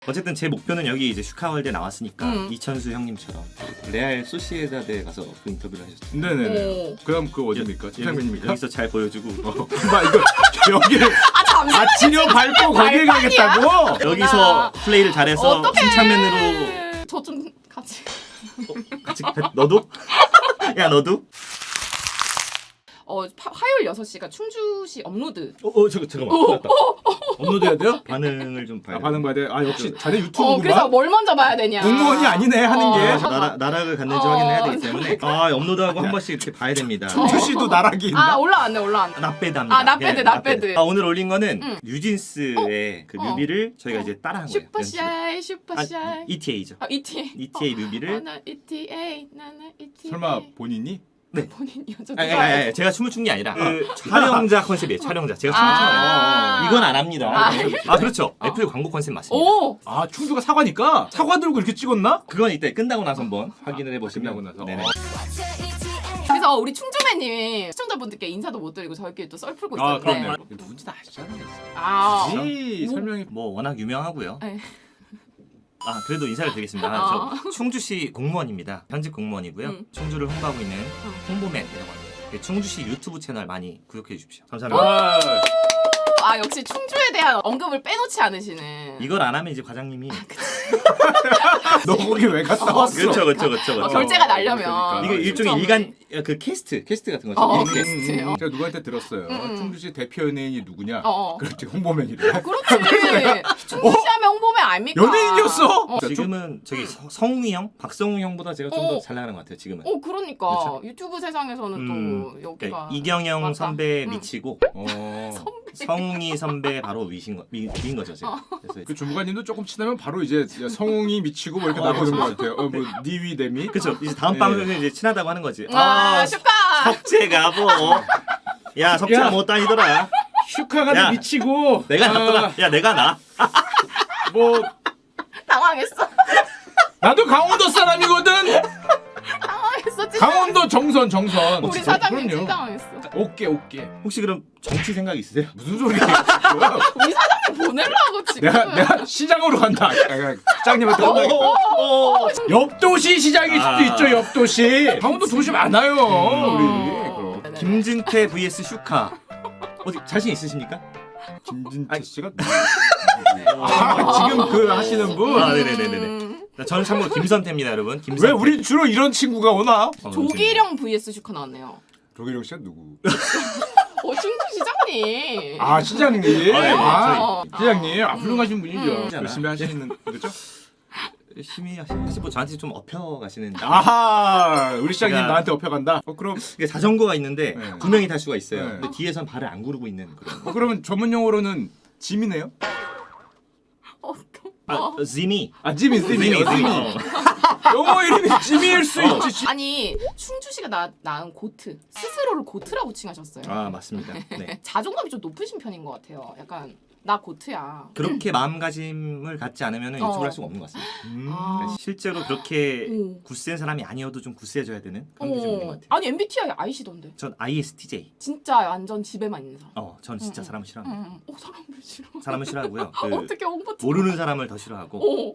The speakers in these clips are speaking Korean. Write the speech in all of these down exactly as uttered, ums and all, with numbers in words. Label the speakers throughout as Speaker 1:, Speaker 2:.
Speaker 1: 어쨌든 제 목표는 여기 이제 슈카월드에 나왔으니까
Speaker 2: 음.
Speaker 1: 이천수 형님처럼 레알 소시에다드에 가서 그 인터뷰를 하셨어요.
Speaker 3: 네네네.
Speaker 2: 오.
Speaker 3: 그럼 그 어디입니까? 팀장님입니까?
Speaker 1: 여기서 잘 보여주고
Speaker 3: 어, 마 이거 여기를
Speaker 2: 아 잠시만.
Speaker 3: 아치려 밟고 거기에 가겠다고?
Speaker 1: 여기서 플레이를 잘해서
Speaker 2: 어떡해.
Speaker 1: 침착맨으로
Speaker 2: 저 좀 같이.
Speaker 1: 같이 너도? 야 너도?
Speaker 2: 어 파, 화요일 여섯 시가 충주시 업로드.
Speaker 1: 어, 어 잠깐 잠깐만. 어,
Speaker 3: 업로드해야 돼요?
Speaker 1: 반응을 좀 봐야
Speaker 3: 아,
Speaker 1: 돼.
Speaker 3: 반응 봐야 돼. 아 역시 자네
Speaker 2: 어
Speaker 3: 유튜브구만.
Speaker 2: 그래서 뭘 먼저 봐야 되냐.
Speaker 3: 공무원이 아니네 하는
Speaker 2: 어.
Speaker 3: 게.
Speaker 1: 나라, 나락을 갔는지
Speaker 2: 어.
Speaker 1: 확인해야 되기 때문에 아 업로드하고 한 번씩 이렇게 봐야 됩니다.
Speaker 3: 충주 씨도 나락이 있나?
Speaker 2: 아 올라왔네 올라왔네.
Speaker 1: 납배드합니다.
Speaker 2: 아, 납배드,
Speaker 1: 네,
Speaker 2: 납배드.
Speaker 1: 아, 오늘 올린 거는
Speaker 2: 응.
Speaker 1: 뉴진스의 그
Speaker 2: 어.
Speaker 1: 뮤비를 저희가
Speaker 2: 어.
Speaker 1: 이제 따라한 거예요.
Speaker 2: 슈퍼샤이
Speaker 1: 연습을.
Speaker 2: 슈퍼샤이.
Speaker 1: 아, 이티에이죠.
Speaker 2: 아 이티에이.
Speaker 1: 이티에이 뮤비를
Speaker 2: 나는 이티에이 나는 이티에이.
Speaker 3: 설마 본인이?
Speaker 2: 본인이요? 저
Speaker 1: 아니,
Speaker 2: 누가
Speaker 1: 아니, 아니,
Speaker 2: 알지?
Speaker 1: 제가 춤을 춘 게 아니라 그 촬영자 컨셉이에요. 촬영자. 제가 춤을 춰요.
Speaker 2: 아.
Speaker 1: 이건 안 합니다.
Speaker 2: 아,
Speaker 1: 아 그렇죠. 애플 광고 컨셉 맞습니다.
Speaker 2: 오.
Speaker 3: 아 충주가 사과니까 사과 들고 이렇게 찍었나?
Speaker 1: 그건 이때 끝나고 나서 한번 확인을 해보시면
Speaker 3: 끝나고 나서.
Speaker 1: 네네.
Speaker 3: 어.
Speaker 2: 그래서 우리 충주매님이 시청자분들께 인사도 못 드리고 저희끼리 또 썰 풀고
Speaker 3: 아
Speaker 2: 있었는데.
Speaker 3: 그렇네요. 누군지 다 아시잖아요.
Speaker 2: 아.
Speaker 3: 이
Speaker 2: 뭐.
Speaker 3: 설명이
Speaker 1: 뭐 워낙 유명하고요.
Speaker 2: 네.
Speaker 1: 아 그래도 인사를 드리겠습니다. 아,
Speaker 2: 어.
Speaker 1: 저 충주시 공무원입니다. 현직 공무원이고요.
Speaker 2: 음.
Speaker 1: 충주를 홍보하고 있는
Speaker 2: 어.
Speaker 1: 홍보맨이라고 합니다. 네, 충주시 유튜브 채널 많이 구독해 주십시오. 감사합니다.
Speaker 3: 아,
Speaker 2: 아 역시 충주에 대한 언급을 빼놓지 않으시는.
Speaker 1: 이걸 안 하면 이제 과장님이
Speaker 3: 너 거기 왜 갔다 왔어?
Speaker 1: 그렇죠, 그렇죠, 그렇죠,
Speaker 2: 어,
Speaker 1: 그렇죠.
Speaker 2: 결제가 날려면.
Speaker 3: 그러니까.
Speaker 1: 이게 일종의
Speaker 2: 충주
Speaker 1: 일간 그 캐스트, 캐스트 같은 거죠.
Speaker 2: 어,
Speaker 1: 일
Speaker 2: 캐스트.
Speaker 1: 캐스트.
Speaker 2: 캐스트요.
Speaker 3: 제가 누구한테 들었어요.
Speaker 2: 음.
Speaker 3: 충주시 대표 연예인이 누구냐?
Speaker 2: 어. 어.
Speaker 3: 그렇지 홍보맨이래.
Speaker 2: 그렇지. 충주시 하면 홍보맨 아닙니까?
Speaker 3: 연예인이었어?
Speaker 2: 어,
Speaker 1: 지금은 저기 서- 성웅이 형, 박성웅 형보다 제가 좀 더
Speaker 2: 어.
Speaker 1: 잘 나가는 것 같아요. 지금은.
Speaker 2: 어 그러니까
Speaker 1: 그렇죠.
Speaker 2: 유튜브 세상에서는
Speaker 1: 음,
Speaker 2: 또 여기가
Speaker 1: 네, 이경영
Speaker 2: 맞다.
Speaker 1: 선배
Speaker 2: 음.
Speaker 1: 미치고
Speaker 3: 어.
Speaker 1: 성웅이 선배 바로 위신 거, 위, 위인 거죠 제가.
Speaker 2: 어.
Speaker 1: 그래서
Speaker 3: 그 주무관님도 조금 친하면 바로 이제 성웅이 미치고 뭐 이렇게
Speaker 1: 어,
Speaker 3: 나오는
Speaker 1: 그렇죠.
Speaker 3: 것 같아요. 어, 뭐 니위 데미.
Speaker 1: 그렇죠. 이제 다음
Speaker 3: 네.
Speaker 1: 방송에 이제 친하다고 하는 거지.
Speaker 2: 아, 축하.
Speaker 1: 석재가 뭐. 야 석재가
Speaker 3: 야.
Speaker 1: 못 다니더라.
Speaker 3: 슈카가
Speaker 1: 야.
Speaker 3: 미치고.
Speaker 1: 내가
Speaker 3: 아,
Speaker 1: 낫더라. 야 내가 나.
Speaker 3: 뭐
Speaker 2: 당황했어.
Speaker 3: 나도 강원도 사람이거든.
Speaker 2: 당황했어. 진짜.
Speaker 3: 강원도 정선 정선.
Speaker 2: 우리
Speaker 3: 진짜?
Speaker 2: 사장님
Speaker 3: 그럼요.
Speaker 2: 진짜 당황했어.
Speaker 3: 오케이 오케이.
Speaker 1: 혹시 그럼 정치 생각 있으세요?
Speaker 3: 무슨 소리야?
Speaker 2: 우리 사장님 보내려고 지금.
Speaker 3: 내가 내가 시장으로 간다. 아, 시장님한테
Speaker 2: 어,
Speaker 3: 혼나겠다.
Speaker 2: 어, 어.
Speaker 3: 옆도시 시장일 수도
Speaker 1: 아.
Speaker 3: 있죠. 옆도시. 강원도 도시 많아요.
Speaker 2: 음.
Speaker 3: 우리. 그럼.
Speaker 2: 네네.
Speaker 1: 김진태 vs 슈카. 어디 자신 있으십니까?
Speaker 3: 김진태
Speaker 1: 아니.
Speaker 3: 씨가 아, 지금 그 하시는 분.
Speaker 1: 아, 네네네네.
Speaker 2: 음.
Speaker 1: 저는 참고로 김선태입니다, 여러분. 김선태.
Speaker 3: 왜 우리 주로 이런 친구가 오나?
Speaker 1: 어,
Speaker 2: 조기령 vs 슈카 나왔네요.
Speaker 3: 조기령 씨가 누구?
Speaker 2: 어 충주 시장님.
Speaker 3: 아 시장님.
Speaker 1: 아, 네,
Speaker 3: 아,
Speaker 2: 저희-
Speaker 3: 시장님 아, 훌륭하신 분이죠.
Speaker 2: 음.
Speaker 3: 열심히 하시는 거죠?
Speaker 1: 열심히 하시는. 사실 뭐 저한테 좀 업혀 가시는.
Speaker 3: 아하 우리 시장님
Speaker 1: 제가-
Speaker 3: 나한테 업혀간다. 어 그럼
Speaker 1: 이게 자전거가 있는데
Speaker 3: 네.
Speaker 1: 두 명이 탈 수가 있어요.
Speaker 3: 네.
Speaker 1: 근데 뒤에선 발을 안 구르고 있는 그런.
Speaker 3: 어 그러면 전문 용어로는 짐이네요?
Speaker 2: 어떤?
Speaker 1: 아,
Speaker 2: 어.
Speaker 1: 지미.
Speaker 3: 아 짐이 짐이
Speaker 1: 지미,
Speaker 3: 짐이.
Speaker 1: 지미.
Speaker 3: 영어 이름이 짐일 수
Speaker 1: 어.
Speaker 3: 있지. 짐.
Speaker 2: 아니 충주시가 나 낳은 고트 스스로를 고트라고 칭하셨어요.
Speaker 1: 아 맞습니다. 네.
Speaker 2: 자존감이 좀 높으신 편인 것 같아요. 약간 나 고트야.
Speaker 1: 그렇게 마음가짐을 갖지 않으면
Speaker 2: 어.
Speaker 1: 유튜브를 할 수가 없는 것 같습니다.
Speaker 3: 음.
Speaker 2: 아.
Speaker 1: 실제로 그렇게
Speaker 2: 오.
Speaker 1: 굳센 사람이 아니어도 좀 굳세져야 되는 그런 게 좀 있는 것
Speaker 2: 어.
Speaker 1: 같아요.
Speaker 2: 아니 엠비티아이 아이시던데.
Speaker 1: 전 아이에스티제이.
Speaker 2: 진짜 완전 집에만 있는 사람.
Speaker 1: 어, 전 진짜
Speaker 2: 응, 응.
Speaker 1: 사람을 싫어합니다.
Speaker 2: 응, 응. 어 사람들 싫어.
Speaker 1: 사람을 싫어하고요. 그
Speaker 2: 어떻게 홍보 좀-
Speaker 1: 모르는 사람을 더 싫어하고.
Speaker 2: 오.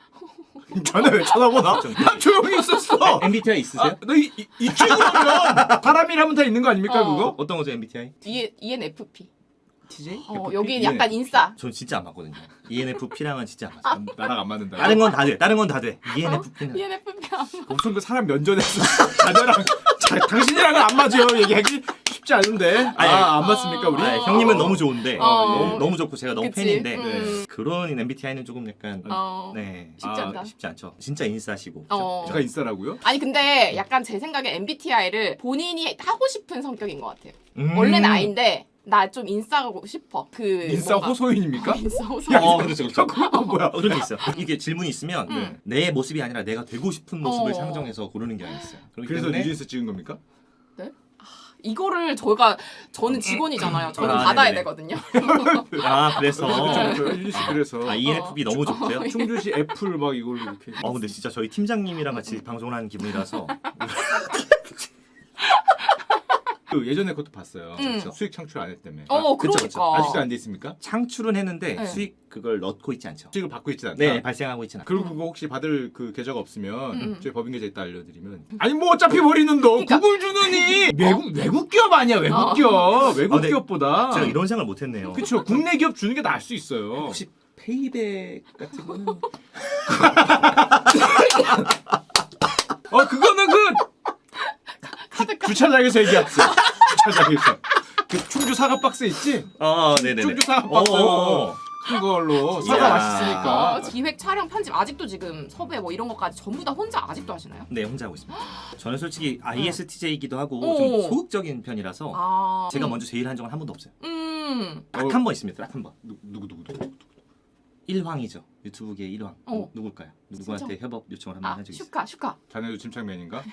Speaker 3: 자네 왜 쳐다보나?
Speaker 1: 좀-
Speaker 3: 난 조용히 있었어.
Speaker 1: 엠비티아이 있으세요?
Speaker 3: 아, 너이 친구라면 사람이라면 다 있는 거 아닙니까
Speaker 2: 어.
Speaker 3: 그거?
Speaker 1: 어떤 거죠 엠비티아이?
Speaker 2: E
Speaker 1: 티제이?
Speaker 2: 이엔에프피. 어
Speaker 3: 에프피?
Speaker 2: 여기 약간 인싸.
Speaker 1: 전 진짜 안 맞거든요. 이엔에프피랑은 진짜 안 맞아요.
Speaker 3: 나랑 안 맞는다.
Speaker 1: 다른 건 다 돼. 다른 건 다 돼. 이엔에프피는
Speaker 2: 이엔에프피.
Speaker 3: 엄청 그 사람 면전에서 자녀랑 자, 당신이랑은 안 맞아요 얘기하기 쉽지 않은데.
Speaker 1: 아니,
Speaker 3: 아 안 맞습니까 우리?
Speaker 1: 아, 형님은 너무 좋은데
Speaker 2: 어.
Speaker 1: 너무, 너무 좋고 제가 너무
Speaker 2: 그치?
Speaker 1: 팬인데
Speaker 2: 음.
Speaker 1: 그런 엠비티아이는 조금 약간
Speaker 2: 어.
Speaker 1: 네
Speaker 2: 쉽지
Speaker 1: 아,
Speaker 2: 않다.
Speaker 1: 쉽지 않죠. 진짜 인싸시고.
Speaker 2: 어.
Speaker 3: 제가 인싸라고요?
Speaker 2: 아니 근데 약간 제 생각에 엠비티아이를 본인이 하고 싶은 성격인 것 같아요.
Speaker 1: 음.
Speaker 2: 원래는 아인데 나 좀 인싸고 싶어. 그
Speaker 3: 인싸
Speaker 2: 뭔가-
Speaker 3: 호소인입니까?
Speaker 2: 인싸 호소인.
Speaker 1: 어 그렇죠 그렇죠.
Speaker 3: 그건 뭐야?
Speaker 1: 어, 그런 게 있어요. 이게 질문이 있으면
Speaker 2: 음.
Speaker 1: 내 모습이 아니라 내가 되고 싶은 모습을
Speaker 2: 어.
Speaker 1: 상정해서 고르는 경향이 있어요. 그렇기
Speaker 3: 그래서
Speaker 1: 때문에
Speaker 3: 뉴진스 찍은 겁니까?
Speaker 2: 이거를 저희가 저는 직원이잖아요. 저는
Speaker 1: 아,
Speaker 2: 받아야
Speaker 1: 네네네.
Speaker 2: 되거든요.
Speaker 1: 아 그래서
Speaker 3: 그렇죠. 뉴진스 그래서
Speaker 1: 아 이엔에프피 너무 좋고요.
Speaker 3: 충주시 애플 막 이걸로 이렇게.
Speaker 1: 아 근데 진짜 저희 팀장님이랑 같이 방송을 하는 기분이라서
Speaker 3: 그 예전에 그것도 봤어요.
Speaker 2: 음.
Speaker 3: 그렇죠. 수익 창출 안 했다며.
Speaker 2: 어,
Speaker 1: 그쵸,
Speaker 2: 그러니까.
Speaker 1: 그쵸.
Speaker 3: 아직도 안 돼 있습니까?
Speaker 1: 창출은 했는데
Speaker 2: 네.
Speaker 1: 수익 그걸 넣고 있지 않죠.
Speaker 3: 수익을 받고 있진 않다.
Speaker 1: 네, 발생하고 있지는 않아요.
Speaker 3: 그리고 그거 혹시 받을 그 계좌가 없으면
Speaker 2: 음.
Speaker 3: 저희 법인 계좌 있다 알려드리면 아니 뭐 어차피 버리는 너
Speaker 2: 그러니까.
Speaker 3: 구글 주느니 외국 외국 기업 아니야 외국
Speaker 2: 어.
Speaker 3: 기업 외국
Speaker 1: 아, 네.
Speaker 3: 기업보다
Speaker 1: 제가 이런 생각을 못했네요.
Speaker 3: 그쵸 국내 기업 주는 게 나을 수 있어요.
Speaker 1: 혹시 페이백 같은 거는
Speaker 3: 어 그거는 그
Speaker 2: 카드 카
Speaker 3: 주차장에서 얘기했어. 주차장에서 그 충주 사과 박스 있지?
Speaker 1: 아, 네네네.
Speaker 3: 충주 사과 박스
Speaker 1: 어.
Speaker 3: 큰 걸로
Speaker 1: 이야.
Speaker 3: 사과 맛있으니까.
Speaker 2: 어, 기획, 촬영, 편집 아직도 지금 섭외 뭐 이런 것까지 전부 다 혼자 아직도 하시나요?
Speaker 1: 네, 혼자 하고 있습니다. 저는 솔직히 아이에스티제이기도 하고
Speaker 2: 오.
Speaker 1: 좀 소극적인 편이라서
Speaker 2: 아,
Speaker 1: 제가
Speaker 2: 음.
Speaker 1: 먼저 제일 한 적은 한 번도 없어요.
Speaker 2: 음,
Speaker 3: 어.
Speaker 1: 딱 한 번 있습니다. 딱 한 번.
Speaker 3: 누, 누구 누구 누구
Speaker 1: 일황이죠. 유튜브계 일황.
Speaker 2: 어.
Speaker 1: 누굴까요? 누구한테 협업 요청을 한번
Speaker 2: 아
Speaker 1: 한 적이 있어요.
Speaker 2: 슈카 슈카.
Speaker 3: 자네도 침착맨인가?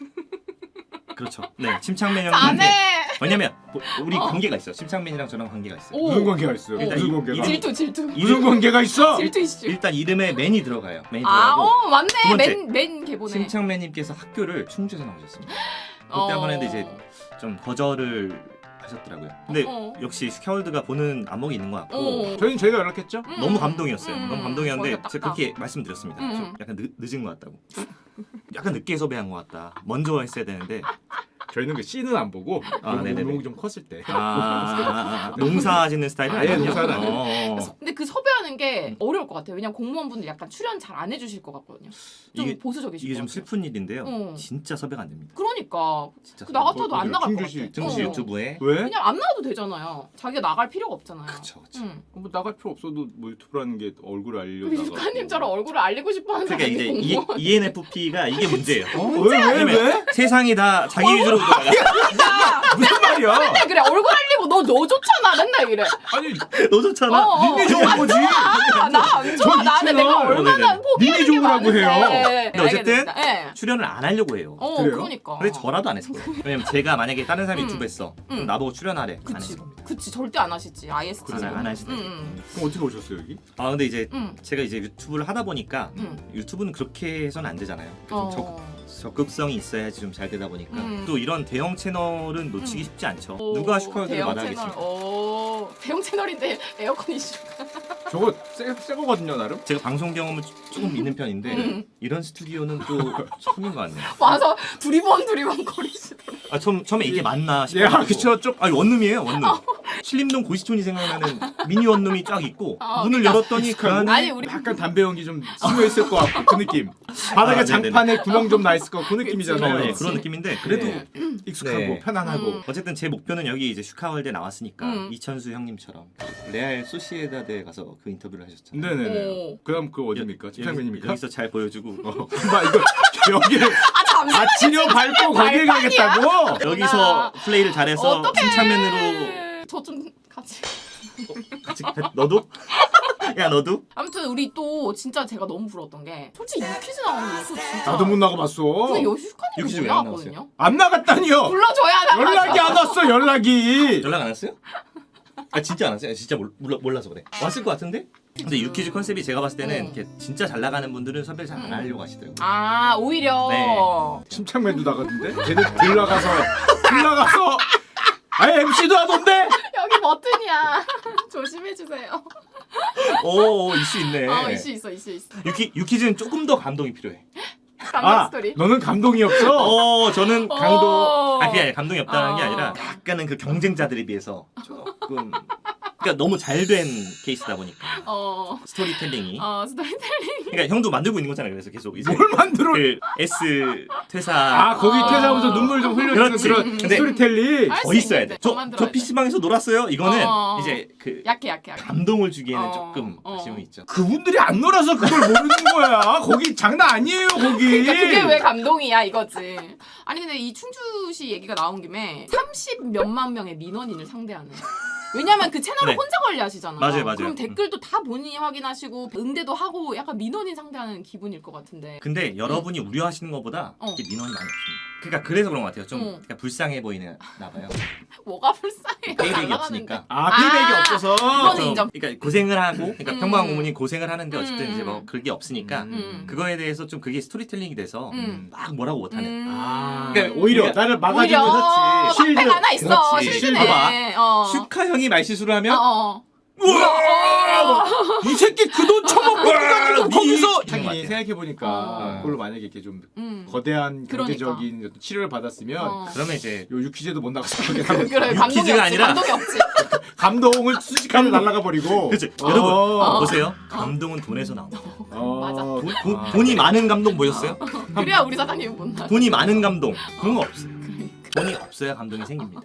Speaker 1: 그렇죠. 네, 침착맨
Speaker 2: 자네.
Speaker 1: 형님한테. 왜냐면 뭐, 우리
Speaker 2: 어.
Speaker 1: 관계가 있어요. 침착맨이랑 저랑 관계가 있어요.
Speaker 2: 오.
Speaker 3: 무슨 관계가 있어요?
Speaker 2: 일단
Speaker 3: 무슨
Speaker 1: 이-
Speaker 3: 관계가?
Speaker 1: 이름-
Speaker 2: 질투 질투.
Speaker 3: 무슨 관계가 있어?
Speaker 2: 질투 이슈.
Speaker 1: 일단 이름에 맨이 들어가요. 맨이
Speaker 2: 아,
Speaker 1: 들어가고
Speaker 2: 어 맞네.
Speaker 1: 두 번째.
Speaker 2: 맨 맨 개보네.
Speaker 1: 침착맨님께서 학교를 충주에서 나오셨습니다. 그때
Speaker 2: 어.
Speaker 1: 한번 했는데 이제 좀 거절을 하셨더라고요. 근데
Speaker 2: 어.
Speaker 1: 역시 슈카월드가 보는 안목이 있는 것 같고
Speaker 2: 어.
Speaker 3: 저희는 저희가 연락했죠?
Speaker 2: 음.
Speaker 1: 너무 감동이었어요.
Speaker 2: 음.
Speaker 1: 너무 감동이었는데
Speaker 2: 거기가
Speaker 1: 제가
Speaker 2: 딱딱.
Speaker 1: 그렇게 말씀드렸습니다.
Speaker 2: 음.
Speaker 1: 좀 약간 늦, 늦은 것 같다고. 약간 늦게 섭외한 것 같다. 먼저 했어야 되는데.
Speaker 3: 저희는 그 씨는 안 보고
Speaker 1: 아, 네네네.
Speaker 3: 농 좀 컸을 때.
Speaker 1: 아, 아, 아, 아, 농사 짓는 스타일은
Speaker 3: 아예
Speaker 1: 아니군요.
Speaker 3: 농사는 아니에요.
Speaker 1: 어, 어.
Speaker 2: 근데 그 섭외하는 게 어려울 것 같아요. 왜냐면 공무원분들 약간 출연 잘 안 해주실 것 같거든요. 좀
Speaker 1: 이게-
Speaker 2: 보수적이실
Speaker 1: 이게
Speaker 2: 것
Speaker 1: 좀
Speaker 2: 같아요.
Speaker 1: 슬픈 일인데요.
Speaker 2: 어.
Speaker 1: 진짜 섭외가 안 됩니다.
Speaker 2: 그러니까
Speaker 1: 진짜
Speaker 2: 그
Speaker 1: 섭외가
Speaker 2: 나
Speaker 1: 안
Speaker 2: 같아도
Speaker 3: 어,
Speaker 2: 안 나갈 것
Speaker 3: 충주시-
Speaker 2: 같아.
Speaker 1: 등수
Speaker 2: 어.
Speaker 1: 유튜브에
Speaker 3: 왜?
Speaker 2: 그냥 안 나와도 되잖아요. 자기가 나갈 필요가 없잖아요.
Speaker 1: 그쵸 그쵸.
Speaker 2: 응.
Speaker 3: 뭐 나갈 필요 없어도 뭐 유튜브라는 게 얼굴을 알려
Speaker 2: 우리
Speaker 3: 나가고.
Speaker 2: 유카님처럼 얼굴을 알리고 싶어하는
Speaker 1: 그러니까 이제
Speaker 2: 사람이
Speaker 1: 이,
Speaker 2: 공무원.
Speaker 1: 이엔에프피가 이게 문제예요.
Speaker 3: 어? 왜? 왜? 왜?
Speaker 1: 세상이 다 자기 위주로 돌아가.
Speaker 3: 무슨 말이야?
Speaker 2: 맨날 그래 얼굴 알리고 너 너 좋잖아 맨날 이래.
Speaker 3: 아니
Speaker 1: 너 좋잖아.
Speaker 2: 어, 어.
Speaker 3: 니네 좋은 거지.
Speaker 2: 나 안 좋아.
Speaker 3: 저
Speaker 2: 나한테
Speaker 3: 있잖아.
Speaker 2: 내가
Speaker 1: 어,
Speaker 2: 얼마나
Speaker 1: 네네.
Speaker 2: 포기하는
Speaker 3: 니네
Speaker 2: 게
Speaker 3: 좋으라고
Speaker 2: 많은데.
Speaker 3: 해요.
Speaker 2: 네,
Speaker 1: 근데 어쨌든
Speaker 2: 알겠습니다. 네.
Speaker 1: 출연을 안 하려고 해요.
Speaker 2: 어,
Speaker 3: 그래요?
Speaker 2: 그러니까.
Speaker 1: 근데 저라도 안 했을 거예요. 왜냐면 제가 만약에 다른 사람이
Speaker 2: 음.
Speaker 1: 유튜브 했어.
Speaker 2: 음.
Speaker 1: 그럼 나보고 출연하래. 안
Speaker 2: 그치,
Speaker 1: 했을 겁니다.
Speaker 2: 그치 절대 안 하시지. 아이에스티.
Speaker 1: 안, 안 하시대.
Speaker 2: 응, 응,
Speaker 3: 그럼 어떻게 오셨어요 여기?
Speaker 1: 아 근데 이제
Speaker 2: 응.
Speaker 1: 제가 이제 유튜브를 하다 보니까
Speaker 2: 응.
Speaker 1: 유튜브는 그렇게 해서는 안 되잖아요. 좀
Speaker 2: 어.
Speaker 1: 적, 적극성이 있어야지 좀 잘 되다 보니까
Speaker 2: 음.
Speaker 1: 또 이런 대형 채널은 놓치기
Speaker 2: 음.
Speaker 1: 쉽지 않죠.
Speaker 2: 오,
Speaker 1: 누가 슈카월드를
Speaker 2: 대형
Speaker 1: 말하겠습니까?
Speaker 2: 채널. 오, 대형 채널인데 에어컨 이슈.
Speaker 3: 저거 새, 새 거거든요 나름.
Speaker 1: 제가 방송 경험은 조- 조금 있는 편인데
Speaker 2: 음.
Speaker 1: 이런 스튜디오는 또 처음인 것 같네요.
Speaker 2: 와서 두리번 두리번 거리시더라고.
Speaker 1: 아 처음 처음에 이게 맞나
Speaker 3: 예,
Speaker 1: 싶어요.
Speaker 3: 아, 그쵸 좀.
Speaker 1: 아니 원룸이에요 원룸. 신림동 고시촌이 생각나는 미니 원룸이 쫙 있고
Speaker 2: 어,
Speaker 1: 문을
Speaker 2: 그러니까.
Speaker 1: 열었더니 그 안에
Speaker 2: 아니 우리
Speaker 3: 약간 담배 연기 좀 스며 있을 것 같고 그 느낌. 바닥에
Speaker 1: 아, 네네네.
Speaker 3: 장판에 구멍 좀 나 있을 것 같고 그
Speaker 1: 어,
Speaker 3: 느낌이잖아요.
Speaker 1: 네,
Speaker 2: 그치.
Speaker 1: 그런 느낌인데 그래도
Speaker 3: 네. 익숙하고
Speaker 1: 네.
Speaker 3: 편안하고.
Speaker 2: 음.
Speaker 1: 어쨌든 제 목표는 여기 이제 슈카월드에 나왔으니까
Speaker 2: 음.
Speaker 1: 이천수 형님처럼 레알 소시에다드에 가서 그 인터뷰를 하셨잖아요.
Speaker 3: 네네네.
Speaker 2: 오.
Speaker 3: 그다음 그 어디입니까? 침착맨입니까?
Speaker 1: 여기서 잘 보여주고
Speaker 3: 봐 이거 여기를
Speaker 2: 아 잠시만.
Speaker 3: 아치려 밟고 거기에
Speaker 2: 발판이야?
Speaker 3: 가겠다고?
Speaker 1: 여기서 플레이를 잘해서
Speaker 2: 어떡해.
Speaker 1: 침착맨으로
Speaker 2: 저좀 같이.
Speaker 1: 같이 너도? 야 너도?
Speaker 2: 아무튼 우리 또 진짜 제가 너무 부러웠던 게 솔직히 유퀴즈 나오는 거 진짜.
Speaker 3: 나도 못 나가봤어.
Speaker 2: 그 여슈카님
Speaker 1: 유퀴즈
Speaker 2: 못
Speaker 1: 왜안
Speaker 2: 나왔거든요.
Speaker 3: 안 나갔다니요.
Speaker 2: 불러줘야 나.
Speaker 3: 연락이 안 왔어 연락이.
Speaker 1: 연락 안 왔어요? 아 진짜 안 왔어요? 진짜 몰, 몰라, 몰라서 그래. 왔을 것 같은데? 근데 유퀴즈 컨셉이 제가 봤을 때는
Speaker 2: 음.
Speaker 1: 이렇게 진짜 잘 나가는 분들은 섭외를 잘 안 하려고 하시더라고요.
Speaker 2: 아 오히려.
Speaker 1: 네.
Speaker 3: 침착맨도 나갔는데 걔네 들나가서 들나가서 아예 엠씨도 하던데.
Speaker 2: 여기 버튼이야. 조심해 주세요.
Speaker 1: 오, 오 이슈 있네.
Speaker 2: 어 이슈 있어 이슈 있어.
Speaker 1: 유키 유키즈는 조금 더 감동이 필요해.
Speaker 2: 감동
Speaker 3: 아
Speaker 2: 스토리.
Speaker 3: 너는 감동이 없어.
Speaker 1: 어, 저는
Speaker 2: 어.
Speaker 1: 강도 아 그게 아니라 감동이 없다는 게
Speaker 2: 어.
Speaker 1: 아니라 약간은 그 경쟁자들에 비해서 조금 그러니까 너무 잘 된 케이스다 보니까
Speaker 2: 어.
Speaker 1: 스토리텔링이.
Speaker 2: 어 스토리텔링.
Speaker 1: 그러니까 형도 만들고 있는 거잖아요. 그래서 계속 이제
Speaker 3: 뭘 만들어?
Speaker 1: 그 S 퇴사
Speaker 3: 아 거기
Speaker 2: 아.
Speaker 3: 퇴사하면서 눈물 좀 흘려주는
Speaker 1: 그렇지.
Speaker 3: 그런
Speaker 1: 근데
Speaker 3: 스토리텔링.
Speaker 2: 할
Speaker 1: 더
Speaker 2: 수
Speaker 1: 있어야
Speaker 2: 있는데
Speaker 1: 돼.
Speaker 2: 더
Speaker 1: 저,
Speaker 2: 만들어야
Speaker 1: 저 피씨방에서 놀았어요. 이거는
Speaker 2: 어.
Speaker 1: 이제 그
Speaker 2: 약해 약해 약해.
Speaker 1: 감동을 주기에는
Speaker 2: 어.
Speaker 1: 조금
Speaker 2: 어.
Speaker 1: 아쉬움이 있죠.
Speaker 3: 그분들이 안 놀아서 그걸 모르는 거야. 거기 장난 아니에요 거기.
Speaker 2: 그러니까 그게 왜 감동이야 이거지. 아니 근데 이 충주시 얘기가 나온 김에 삼십 몇만 명의 민원인을 상대하는. 왜냐면 그 채널을
Speaker 1: 네.
Speaker 2: 혼자 관리하시잖아요.
Speaker 1: 맞아요, 맞아요.
Speaker 2: 그럼 댓글도 다 본인이 확인하시고 응대도 하고 약간 민원인 상대하는 기분일 것 같은데.
Speaker 1: 근데 여러분이 우려하시는 것보다
Speaker 2: 어.
Speaker 1: 이렇게 민원이 많이 없습니다. 그러니까 그래서 그런 것 같아요. 좀
Speaker 2: 어.
Speaker 1: 그러니까 불쌍해 보이나 봐요.
Speaker 2: 뭐가 불쌍해?
Speaker 1: 페이백이
Speaker 2: 잘 나가는데.
Speaker 1: 없으니까.
Speaker 3: 아 피백이
Speaker 2: 아,
Speaker 3: 없어서.
Speaker 2: 그거는
Speaker 1: 좀,
Speaker 2: 인정.
Speaker 1: 그러니까 고생을 하고, 그러니까
Speaker 2: 음.
Speaker 1: 평범한 고문이 고생을 하는데 어쨌든
Speaker 2: 음.
Speaker 1: 이제 뭐 그게 없으니까
Speaker 2: 음.
Speaker 1: 그거에 대해서 좀 그게 스토리텔링이 돼서
Speaker 2: 음.
Speaker 1: 막 뭐라고 못하는.
Speaker 2: 음.
Speaker 3: 아
Speaker 1: 그러니까
Speaker 3: 오히려
Speaker 1: 우리가-
Speaker 3: 나를 막아주는
Speaker 2: 오히려
Speaker 3: 그렇지. 실드.
Speaker 2: 방패가 하나 있어.
Speaker 1: 그렇지.
Speaker 2: 실드네. 어.
Speaker 1: 슈카 형이 말실수를
Speaker 2: 어,
Speaker 1: 하면
Speaker 2: 어.
Speaker 1: 우와!
Speaker 3: 이 새끼 그 돈 처먹고
Speaker 1: 와,
Speaker 3: 거기서
Speaker 1: 니-
Speaker 3: 자기
Speaker 1: 같아요.
Speaker 3: 생각해 보니까
Speaker 2: 어.
Speaker 3: 그걸로 만약에 이렇게 좀
Speaker 2: 음.
Speaker 3: 거대한
Speaker 2: 그러니까.
Speaker 3: 경제적인 어떤 치료를 받았으면
Speaker 2: 어.
Speaker 1: 그러면 이제
Speaker 3: 요 유퀴즈도 못 나가서
Speaker 2: 그래 감동이 없지.
Speaker 1: 유퀴즈가 아니라-
Speaker 2: 감동이 없지.
Speaker 3: 감동을 순식간에 날라가 버리고.
Speaker 1: 그렇죠.
Speaker 3: 어.
Speaker 1: 여러분
Speaker 3: 어.
Speaker 1: 보세요. 감동은 돈에서 나옵니다.
Speaker 3: 어.
Speaker 2: 맞아.
Speaker 1: 돈, 돈,
Speaker 3: 아.
Speaker 1: 돈이 많은 감동 보셨어요?
Speaker 2: 그래야 우리 사장님이 못 나.
Speaker 1: 돈이 많은 감동 그런 거 없어요.
Speaker 2: 그러니까.
Speaker 1: 돈이 없어야 감동이 생깁니다.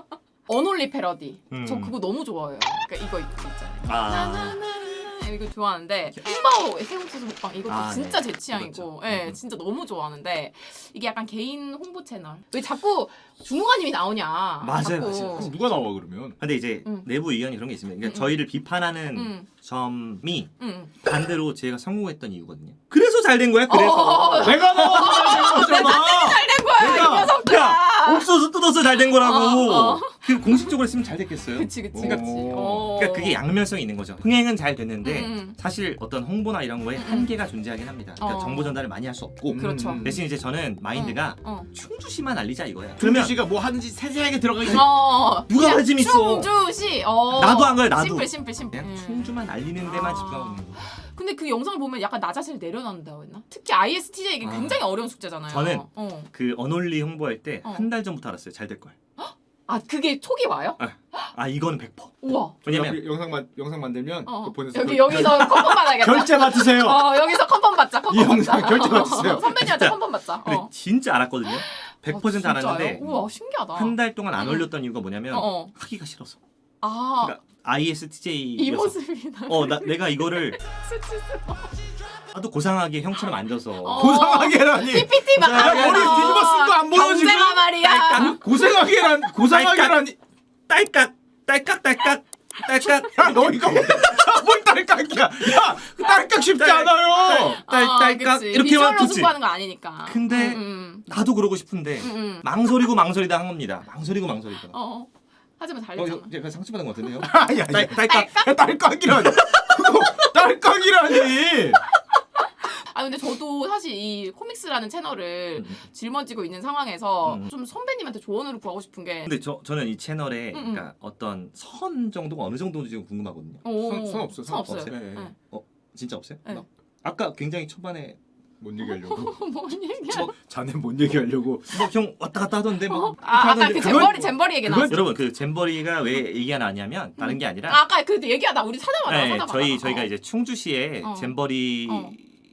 Speaker 2: 언홀리 패러디.
Speaker 1: 음.
Speaker 2: 저 그거 너무 좋아해요. 그러니까 이거 있잖아요.
Speaker 1: 아,
Speaker 2: 나나나나 이거 좋아하는데 흰바오 새우소스 먹방 이것도
Speaker 1: 아,
Speaker 2: 진짜
Speaker 1: 네.
Speaker 2: 제 취향이고,
Speaker 1: 그렇죠.
Speaker 2: 예,
Speaker 1: 음.
Speaker 2: 진짜 너무 좋아하는데 이게 약간 개인 홍보 채널. 왜 자꾸 중무관님이 나오냐?
Speaker 1: 맞아요,
Speaker 2: 자꾸.
Speaker 1: 맞아요.
Speaker 3: 그럼 누가 나와 그러면?
Speaker 1: 근데 이제
Speaker 2: 음.
Speaker 1: 내부 의견이 그런 게 있습니다. 그러니까
Speaker 2: 음.
Speaker 1: 저희를 비판하는
Speaker 2: 음.
Speaker 1: 점이
Speaker 2: 응.
Speaker 1: 반대로 제가 성공했던 이유거든요. 그래서 잘 된 거야. 그래서
Speaker 2: 어.
Speaker 3: 내가 나와서 거잖아.
Speaker 2: 잘된 거야
Speaker 3: 내가-
Speaker 2: 이 녀석들아.
Speaker 1: 야 옥수수 뜯어서 잘 된 거라고.
Speaker 2: 어, 어.
Speaker 1: 그 공식적으로 했으면 잘 됐겠어요.
Speaker 2: 그치 그치
Speaker 3: 그러니까-
Speaker 2: 그치.
Speaker 3: 오.
Speaker 2: 어.
Speaker 1: 그러니까 그게 양면성이 있는 거죠. 흥행은 잘 됐는데
Speaker 2: 음.
Speaker 1: 사실 어떤 홍보나 이런 거에 한계가 존재하긴 합니다. 그러니까
Speaker 2: 어.
Speaker 1: 정보 전달을 많이 할 수 없고
Speaker 2: 그렇죠.
Speaker 3: 음.
Speaker 1: 대신 이제 저는 마인드가
Speaker 2: 어.
Speaker 1: 충주시만 알리자 이거야.
Speaker 3: 그러면
Speaker 1: 그러면
Speaker 3: 씨가 뭐 하는지 세세하게 들어가 있
Speaker 2: 어.
Speaker 1: 누가
Speaker 2: 그냥
Speaker 1: 관심 있어?
Speaker 2: 충주시. 어.
Speaker 1: 나도 안 가요, 나도.
Speaker 2: 심플 심플 심플.
Speaker 1: 그냥
Speaker 2: 음.
Speaker 1: 충주만 알리는 데만
Speaker 2: 아.
Speaker 1: 집중하고 있는 거.
Speaker 2: 근데 그 영상을 보면 약간 나 자신을 내려놓는다고 했나? 특히 아이에스티제이 이게
Speaker 1: 아.
Speaker 2: 굉장히 어려운 숙제잖아요.
Speaker 1: 저는
Speaker 2: 어.
Speaker 1: 그 언홀리 홍보할 때
Speaker 2: 어.
Speaker 1: 한 달 전부터 알았어요. 잘 될 걸.
Speaker 2: 아 그게 촉이 와요?
Speaker 1: 아 이거는 백 퍼센트.
Speaker 2: 우와.
Speaker 1: 왜냐면
Speaker 3: 영상 만 영상 만들면
Speaker 2: 어.
Speaker 3: 그거 보내서
Speaker 2: 여기
Speaker 3: 결-
Speaker 2: 여기서 컨펌 받아야겠다.
Speaker 3: 결제 받으세요.
Speaker 2: 어 여기서 컨펌 받자. 컨펌
Speaker 3: 이 영상
Speaker 2: 받자.
Speaker 3: 결제 받으세요.
Speaker 2: 선배님한테
Speaker 1: 진짜.
Speaker 2: 컨펌 받자.
Speaker 1: 근데
Speaker 2: 어.
Speaker 1: 진짜 알았거든요. 백 퍼센트
Speaker 2: 아, 진짜요?
Speaker 1: 알았는데
Speaker 2: 우와 신기하다.
Speaker 1: 한 달 동안 안
Speaker 2: 음.
Speaker 1: 올렸던 이유가 뭐냐면
Speaker 2: 어, 어.
Speaker 1: 하기가 싫어서.
Speaker 2: 아.
Speaker 1: 그러니까 아이에스티제이
Speaker 2: 이 모습이다.
Speaker 1: 어, 나 내가 이거를
Speaker 2: 수치스러워.
Speaker 1: 나도 고상하게 형처럼 앉아서
Speaker 2: 어.
Speaker 3: 고상하게라니.
Speaker 2: 피피티 막.
Speaker 1: 야,
Speaker 3: 머리 뒤집어 쓴 거 안 보여, 지금?
Speaker 2: 경제가 말이야.
Speaker 3: 고상하게란 고상하게라니.
Speaker 1: 딸깍 딸깍 딸깍 딸깍
Speaker 3: 야, 너 이거 뭘 딸깍이야? 야, 딸깍 쉽지
Speaker 1: 딸-
Speaker 3: 않아요.
Speaker 1: 딸
Speaker 2: 아,
Speaker 1: 딸깍
Speaker 2: 그치.
Speaker 1: 이렇게
Speaker 2: 비주얼로
Speaker 1: 하면 좋지.
Speaker 2: 승부하는 거 아니니까.
Speaker 1: 근데
Speaker 2: 음, 음,
Speaker 1: 나도 그러고 싶은데
Speaker 2: 음, 음.
Speaker 1: 망설이고 망설이다 한 겁니다. 망설이고 망설이다. 어,
Speaker 2: 어. 하지만 잘
Speaker 1: 어,
Speaker 2: 됐잖아.
Speaker 1: 이거 제가 상처받은 것 같은데요?
Speaker 3: 아야,
Speaker 1: 딸 딸깍
Speaker 3: 야, 딸깍이라니. 그거 딸깍이라니.
Speaker 2: 아 근데 저도 사실 이 코믹스라는 채널을
Speaker 1: 음.
Speaker 2: 짊어지고 있는 상황에서
Speaker 1: 음.
Speaker 2: 좀 선배님한테 조언을 구하고 싶은 게
Speaker 1: 근데 저 저는 이 채널에
Speaker 2: 음, 음.
Speaker 1: 그러니까 어떤 선 정도가 어느 정도인지 지금 궁금하거든요.
Speaker 2: 오.
Speaker 3: 선- 선 없어요,
Speaker 2: 선
Speaker 3: 선
Speaker 2: 없어요.
Speaker 3: 없어요. 네.
Speaker 2: 네.
Speaker 1: 진짜 없어요?
Speaker 2: 네.
Speaker 1: 막 아까 굉장히 초반에
Speaker 3: 뭔 얘기하려고?
Speaker 2: 뭔 얘기야?
Speaker 1: 뭐,
Speaker 3: 자네 뭔 얘기하려고?
Speaker 1: 뭐 형 왔다 갔다 하던데 뭐 이렇게
Speaker 2: 아, 아까
Speaker 1: 하던데
Speaker 2: 그
Speaker 1: 그건-
Speaker 2: 잼버리 잼버리 얘기
Speaker 3: 그건-
Speaker 2: 나왔어.
Speaker 1: 여러분 그 잼버리가 왜 얘기가 나냐면 다른 게 아니라
Speaker 2: 아, 아까 그 얘기하다 우리 찾아봐.
Speaker 1: 네,
Speaker 2: 찾아봐.
Speaker 1: 저희
Speaker 2: 어.
Speaker 1: 저희가 이제 충주시에
Speaker 2: 어.
Speaker 1: 잼버리
Speaker 2: 어.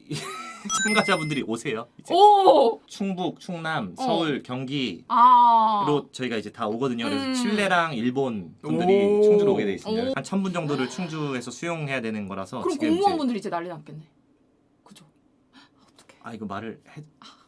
Speaker 1: 참가자분들이 오세요. 이제
Speaker 2: 오.
Speaker 1: 충북, 충남,
Speaker 2: 어.
Speaker 1: 서울, 경기로
Speaker 2: 아.
Speaker 1: 저희가 이제 다 오거든요. 그래서
Speaker 2: 음.
Speaker 1: 칠레랑 일본 분들이
Speaker 3: 오.
Speaker 1: 충주로 오게 돼 있습니다.
Speaker 2: 오.
Speaker 1: 한 천 분 정도를 충주에서 수용해야 되는 거라서
Speaker 2: 그럼
Speaker 1: 지금
Speaker 2: 공무원분들이 이제 난리 났겠네. 그죠? 어떡해.
Speaker 1: 아 이거 말을 해.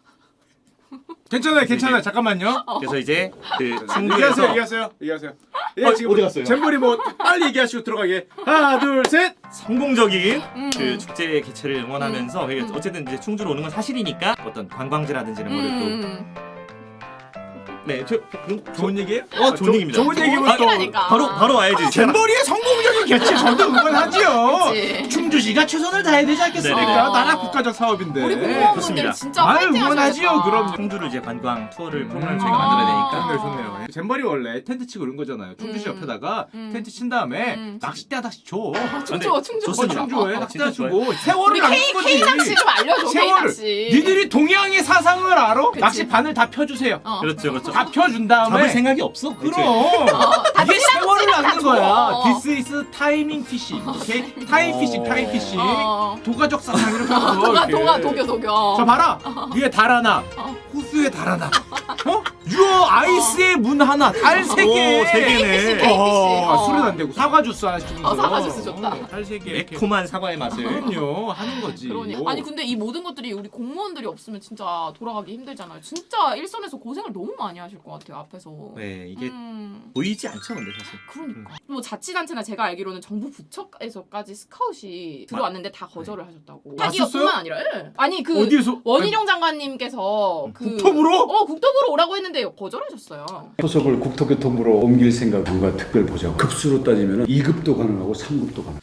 Speaker 3: 괜찮아요, 괜찮아요. 잠깐만요.
Speaker 1: 그래서 이제 그
Speaker 3: 얘기하세요,
Speaker 1: 충주에서
Speaker 3: 얘기하세요, 얘기하세요. 예,
Speaker 1: 어,
Speaker 3: 지금
Speaker 1: 어디 갔어요?
Speaker 3: 잼버리 뭐 빨리 얘기하시고 들어가게. 하나, 둘, 셋.
Speaker 1: 성공적인
Speaker 2: 음.
Speaker 1: 그 축제 개최를 응원하면서
Speaker 2: 음. 음.
Speaker 1: 어쨌든 이제 충주로 오는 건 사실이니까 어떤 관광지라든지 이런 거를
Speaker 2: 음.
Speaker 1: 또 네, 저, 저,
Speaker 3: 좋은 얘기예요?
Speaker 1: 어, 좋은 얘기입니다.
Speaker 3: 좋은 얘기면 또
Speaker 2: 얘기라니까.
Speaker 1: 바로 바로 와야지.
Speaker 3: 잼버리의 성공적인 개최 저도 응원하지요.
Speaker 2: 그치.
Speaker 3: 충주시가 최선을 다해야 되지 않겠습니까?
Speaker 1: 네네.
Speaker 3: 나라 국가적 사업인데.
Speaker 2: 우리
Speaker 1: 좋습니다.
Speaker 2: 공무원분들 진짜
Speaker 3: 아유,
Speaker 2: 파이팅
Speaker 3: 응원하지요,
Speaker 2: 하셔야겠다.
Speaker 3: 그럼요.
Speaker 1: 충주를 이제 관광 투어를
Speaker 3: 음.
Speaker 1: 프로그램 저희가
Speaker 2: 아.
Speaker 1: 만들어야 되니까.
Speaker 3: 좋네요, 좋네요. 잼버리 원래 텐트 치고 이런 거잖아요. 충주시
Speaker 2: 음.
Speaker 3: 옆에다가
Speaker 2: 음.
Speaker 3: 텐트 친 다음에
Speaker 2: 음.
Speaker 3: 낚싯대 하나씩 줘.
Speaker 2: 아, 충주
Speaker 1: 근데
Speaker 2: 충주.
Speaker 3: 어,
Speaker 1: 좋습니다.
Speaker 3: 충주에
Speaker 1: 어,
Speaker 3: 낚싯대
Speaker 1: 진짜
Speaker 3: 주고 세월을
Speaker 2: 우리
Speaker 3: 낚는
Speaker 2: K
Speaker 3: 거지.
Speaker 2: K 낚시 좀 알려줘. K
Speaker 3: 세월을.
Speaker 2: 낚시.
Speaker 3: 니들이 동양의 사상을 알아?
Speaker 2: 그치.
Speaker 3: 낚시 바늘 다 펴주세요.
Speaker 2: 어.
Speaker 1: 그렇죠, 그렇죠.
Speaker 3: 다 펴준 다음에
Speaker 1: 잡을 생각이 없어.
Speaker 3: 그럼
Speaker 2: 다
Speaker 3: 이게
Speaker 2: 찌랑
Speaker 3: 세월을
Speaker 2: 찌랑 다
Speaker 3: 낚는
Speaker 2: 줘.
Speaker 3: 거야.
Speaker 2: 어.
Speaker 3: This is timing fishing. 오케이? 타임 피싱, 타임 피싱.
Speaker 2: 어.
Speaker 3: 도가적 사상 이렇게 하고
Speaker 2: 도가
Speaker 3: 이렇게.
Speaker 2: 도가 도교 도교.
Speaker 3: 자 봐라. 위에 달 하나,
Speaker 2: 어.
Speaker 3: 호수에 달 하나. 어? 유어 아이스의 문 하나, 달 세 개.
Speaker 1: 오, 세 개네.
Speaker 2: 에이비씨.
Speaker 3: 어,
Speaker 2: 어.
Speaker 3: 술은 안 되고 사과 주스 하시면서.
Speaker 2: 어, 사과 주스 좋다.
Speaker 3: 달 세 개. 이렇게.
Speaker 1: 매콤한 사과의 맛을.
Speaker 3: 그럼요, 하는 거지.
Speaker 2: 그러니
Speaker 3: 오.
Speaker 2: 아니 근데 이 모든 것들이 우리 공무원들이 없으면 진짜 돌아가기 힘들잖아요. 진짜 일선에서 고생을 너무 많이 하실 것 같아요 앞에서.
Speaker 1: 네, 이게
Speaker 2: 음,
Speaker 1: 보이지 않죠, 근데 사실.
Speaker 2: 그러니까 뭐 자치단체나 제가 알기로는 정부 부처에서까지 스카웃이 들어왔는데 다 거절을 하셨다고.
Speaker 3: 왔었어요?
Speaker 2: 자기뿐만 아니라 예. 아니 그
Speaker 3: 어디에서?
Speaker 2: 원희룡 장관님께서 그
Speaker 3: 국토부로?
Speaker 2: 어 국토부로 오라고 했는데 거절하셨어요.
Speaker 4: 소속을 국토교통부로 옮길 생각 뭔가 특별 보장 급수로 따지면 이 급도 가능하고 삼 급도 가능.